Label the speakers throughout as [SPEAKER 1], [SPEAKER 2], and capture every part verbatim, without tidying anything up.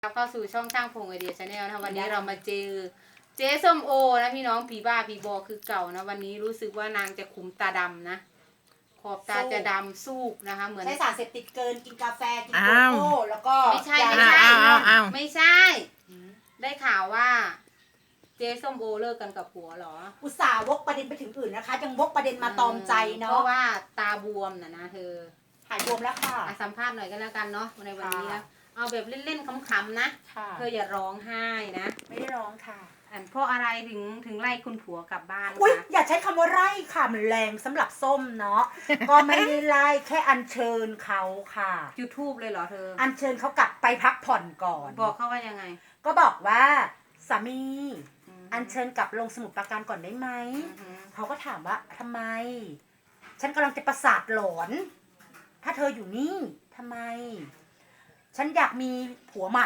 [SPEAKER 1] เข้าสู่ช่องช่างพงไอเดียชาแนลนะวันนี้เรามาเจอเจ๊ส้มโอนะพี่น้องผีบ้าผีบอคือเก่านะวันนี้รู้สึกว่านางจะขุมตาดำนะขอบตาจะดำสู้นะคะเหมือน
[SPEAKER 2] ใช้สารเสพติดเกินกินกาแฟกินโก
[SPEAKER 3] อ้าว
[SPEAKER 2] โก้แล้วก็
[SPEAKER 1] ไม่ใช่
[SPEAKER 2] ยา
[SPEAKER 1] ไม่ใช่
[SPEAKER 3] อ้าวอ้าวอ้าว
[SPEAKER 1] ไม่ใช่ ได้ข่าวว่า เจ๊ส้มโอเลิกกันกับผัวเหรอ
[SPEAKER 2] อุตส่าห์วกประเด็นไปถึงอื่นนะคะยังวกประเด็นมาตอมใจ
[SPEAKER 1] เพ
[SPEAKER 2] เนาะ
[SPEAKER 1] ราะว่าตาบวมนะนะเธอ
[SPEAKER 2] หายบวมแล้วค่ะ
[SPEAKER 1] อ่ะสัมภาษณ์หน่อยก็แล้วกันเนาะในวันนี้
[SPEAKER 2] ค่ะ
[SPEAKER 1] นะเอาแบบเล่นๆขำๆนะ
[SPEAKER 2] ค่ะ
[SPEAKER 1] เธออย่าร้องไห้นะ
[SPEAKER 2] ไม่ได้ร้องค่ะ
[SPEAKER 1] อันเพราะอะไรถึงถึงไล่คุณผัวกลับบ้าน
[SPEAKER 2] อุ้ย
[SPEAKER 1] คะ
[SPEAKER 2] อย่าใช้คำว่าไร่ค่ะมันแรงสำหรับส้มเนาะ ก็ไม่ได้ไล่แค่อัญเชิญเขาค่ะ
[SPEAKER 1] จุดทูบเลยเหรอเธอ
[SPEAKER 2] อัญเชิญเขากลับไปพักผ่อนก่อน
[SPEAKER 1] บอกเขาว่ายังไง
[SPEAKER 2] ก็บอกว่าสามี
[SPEAKER 1] อืม
[SPEAKER 2] อัญเชิญกลับลงสมุดปราการก่อนได้ไหม
[SPEAKER 1] อือหือ
[SPEAKER 2] เขาก็ถามว่าทำไม ฉันกำลังจะประสาทหลอน ถ้าเธออยู่นี่ทำไม ฉันอยากมีผัวใหม่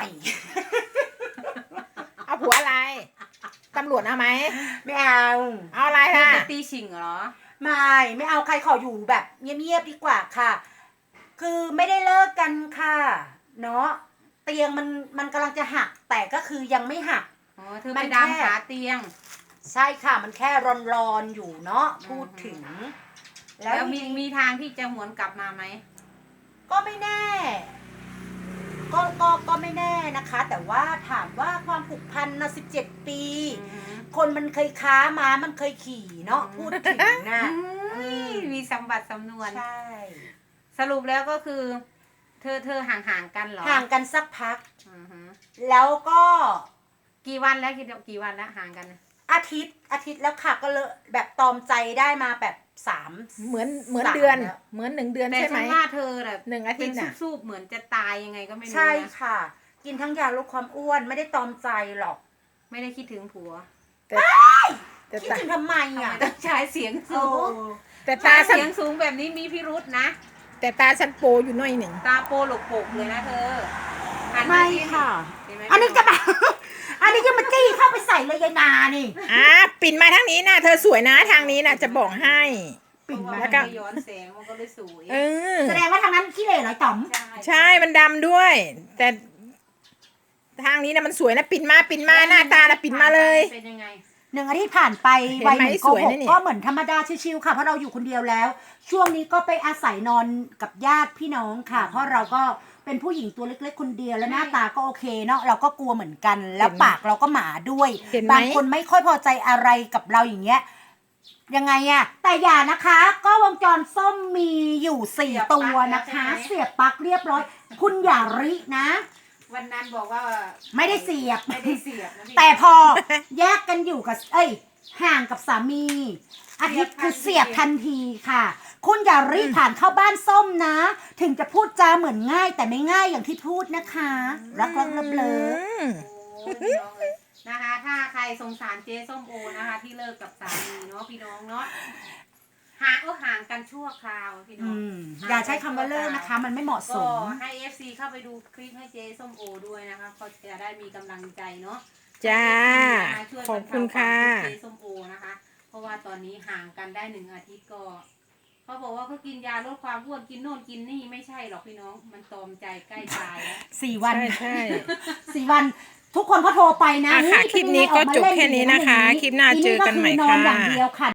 [SPEAKER 3] เอาผัวอะไร ตำรวจเอาไหม
[SPEAKER 2] ไม่เอา
[SPEAKER 3] เอาอะไร
[SPEAKER 1] เธอ
[SPEAKER 3] ล่ะ
[SPEAKER 1] จะตีฉิงเหรอ
[SPEAKER 2] ไม่ไม่เอาใครขออยู่แบบเงียบๆดีกว่าค่ะ คือไม่ได้เลิกกันค่ะ เนาะเตียงมันมันกำลังจะหัก แต่ก็คือยังไม่หัก
[SPEAKER 1] อ๋อ เธอ
[SPEAKER 2] มั
[SPEAKER 1] ไป
[SPEAKER 2] น
[SPEAKER 1] ดาม
[SPEAKER 2] แค่
[SPEAKER 1] ขาเตียง
[SPEAKER 2] ใช่ค่ะ มันแค่ร้อนๆอยู่เนาะพูดถึง
[SPEAKER 1] แล้วมี
[SPEAKER 2] จริงๆ
[SPEAKER 1] มีทางที่จะหวนกลับมาไหม
[SPEAKER 2] ก็ไม่แน่ ก็ก็ก็ไม่แน่นะคะ แต่ว่าถามว่าความผูกพันนะสิบเจ็ดปี
[SPEAKER 1] อือหือ
[SPEAKER 2] คนมันเคยค้าม้ามันเคยขี่เนาะ
[SPEAKER 1] อืม
[SPEAKER 2] พูดถึงนะ
[SPEAKER 1] อุ้ยมีสมบัติสำนวน
[SPEAKER 2] ใช่
[SPEAKER 1] สรุปแล้วก็คือ เธอเธอห่างห่างๆกันเหรอ
[SPEAKER 2] ห่างกันสักพัก
[SPEAKER 1] อือหือ
[SPEAKER 2] แล้วก็
[SPEAKER 1] กี่วันแล้วกี่กี่วันแล้วห่างกันน่ะ
[SPEAKER 2] อาทิตย์อาทิตย์แล้วค่ะก็เลยแบบตอมใจได้มาแบบสาม
[SPEAKER 3] เหมือนเหมือน
[SPEAKER 2] สาม
[SPEAKER 3] เดือน
[SPEAKER 2] แล้ว
[SPEAKER 3] เหมือนหนึ่งเดือน
[SPEAKER 1] แต่
[SPEAKER 3] ใช่ไหม
[SPEAKER 1] ฉันว่าเธอแบบ
[SPEAKER 3] หนึ่งอาทิ
[SPEAKER 1] เป็
[SPEAKER 3] ต
[SPEAKER 1] น
[SPEAKER 3] ย์น่ะ
[SPEAKER 1] ซูบๆเหมือนจะตายยังไงก็ไม่รู้
[SPEAKER 2] ใช่
[SPEAKER 1] นะ
[SPEAKER 2] ค่ะ กินทั้งยาลดความอ้วนไม่ได้ตอมใจหรอก
[SPEAKER 1] ไม่ได้คิดถึงผัว
[SPEAKER 3] แต่แต่
[SPEAKER 2] คิด
[SPEAKER 3] ตา
[SPEAKER 2] ถึงทำไม
[SPEAKER 1] ทำไม
[SPEAKER 2] อ่ะ
[SPEAKER 1] ต้องใช้เสียง
[SPEAKER 2] โอ้
[SPEAKER 1] สูง
[SPEAKER 3] แต่
[SPEAKER 1] ตา
[SPEAKER 3] ตาฉัน
[SPEAKER 1] เสียงสูงแบบนี้มีพิรุษนะ
[SPEAKER 3] แต่ตาฉันโปอยู่หน่อยหนึ่ง
[SPEAKER 1] ตาโปหลกโปกเลยนะเธอหัน
[SPEAKER 2] ไม่
[SPEAKER 1] สิ
[SPEAKER 2] ค่ะ
[SPEAKER 1] เห็นไหม
[SPEAKER 2] อันนี้จะมา อันนี้จะมาจี้เข้าไปใส่เลยยายนานี่
[SPEAKER 3] อ่ะปิ่นมาทางนี้นะเธอสวยนะทางนี้นะจะบอกให้
[SPEAKER 1] เพราะว่า
[SPEAKER 3] แล้
[SPEAKER 1] มัน
[SPEAKER 3] วก็
[SPEAKER 1] ไม่ย้อนแสงมันก็เลยสวย
[SPEAKER 3] เออ
[SPEAKER 2] แสดงว่าทางนั้นขี้เหร่เหรอต๋อม
[SPEAKER 3] ใช่มันดำด้วย แต่ทางนี้นะมันสวยนะปิ่นมาปิ่นมาหน้าตานะปิ่นมาเลย
[SPEAKER 1] เป็นยังไง
[SPEAKER 2] หนึ่งอาทิตย์ผ่านไป
[SPEAKER 3] เห็นไหม
[SPEAKER 2] วัยหนึ่ง
[SPEAKER 3] ส
[SPEAKER 2] ก็
[SPEAKER 3] วย
[SPEAKER 2] หก
[SPEAKER 3] นะนี่
[SPEAKER 2] ก็เหมือนธรรมดาชิวๆค่ะเพราะเราอยู่คนเดียวแล้ว ช่วงนี้ก็ไปอาศัยนอนกับญาติพี่น้องค่ะ เพราะเราก็เป็นผู้หญิงตัวเล็กๆคนเดียวแล้วหน้าตาก็โอเคเนาะเราก็กลัวเหมือนกัน แล้วปากเราก็หมาด้วย
[SPEAKER 3] เห็นไหม
[SPEAKER 2] บางคนไม่ค่อยพอใจอะไรกับเราอย่างเงี้ยยังไงอะแต่อย่านะคะ ก็วงจรส้มมีอยู่สี่
[SPEAKER 1] เสียบ
[SPEAKER 2] ตัว
[SPEAKER 1] ปลั๊ก
[SPEAKER 2] นะคะ
[SPEAKER 1] แล้วใช่ไหม
[SPEAKER 2] เสียบปลั๊กเรียบร้อย คุณอย่ารินะ
[SPEAKER 1] วันนั้นบอกว่า
[SPEAKER 2] ไม่ได้เสียบ
[SPEAKER 1] ไม่ได้เสียบนะพี่
[SPEAKER 2] แต่พอแยกกันอยู่กับ เอ้ย ห่างกับสามี อาทิตย์คือเสียบทันทีค่ะ คุณอย่ารีบผ่านเข้าบ้านส้มนะ ถึงจะพูดจาเหมือนง่าย แต่ไม่ง่ายอย่างที่พูดนะคะ รักรักเลิฟเลิฟ
[SPEAKER 3] อืม
[SPEAKER 1] โอ้ยพี่น้องเลยนะคะ ถ้าใครสงสารเจ๊ส้มโอนะคะ ที่เลิกกับสามีเนาะพี่น้องเนาะห่างก็ห่างกันชั่วคราวพี่น้
[SPEAKER 2] อื
[SPEAKER 1] อง
[SPEAKER 2] มอย่าใช้คำว่าเลิกนะคะ มันไม่เหมาะส
[SPEAKER 1] ก็
[SPEAKER 2] ม
[SPEAKER 1] ให้ เอฟ ซี เข้าไปดูคลิปให้เจ๊ส้มโอด้วยนะคะเขาจะได้มีกำลังใจเนาะ
[SPEAKER 3] จ้า
[SPEAKER 1] ให้ เอฟซี
[SPEAKER 3] ขอบคุณค่ะ
[SPEAKER 1] ช่วยบรรเทาความทุกข์เจ๊ส้มโอนะคะ เพราะว่าตอนนี้ห่างกันได้หนึ่งอาทิตย์ก็เขาบอกว่าเขากินยาลดความอ้วนกินโน่นกินนี่ไม่ใช่หรอกพี่น้อง มันตอมใจใกล้ตายแล้ว
[SPEAKER 2] สี่วัน
[SPEAKER 3] ใช่ใช่
[SPEAKER 2] สี่วัน ทุกคนเขาโทรไปนะ
[SPEAKER 3] อ่ะค่ะ
[SPEAKER 2] เฮ้ย
[SPEAKER 3] คลิปนี้ก็
[SPEAKER 2] เป็
[SPEAKER 3] จ
[SPEAKER 2] ยัง
[SPEAKER 3] บ
[SPEAKER 2] ไงออกมา
[SPEAKER 3] แค่นี้นะคะ
[SPEAKER 2] เล่
[SPEAKER 3] คลิปหน้าเจอกันใหม่
[SPEAKER 2] นอน
[SPEAKER 3] ค่ะ
[SPEAKER 2] อย่างเดียวค่ะ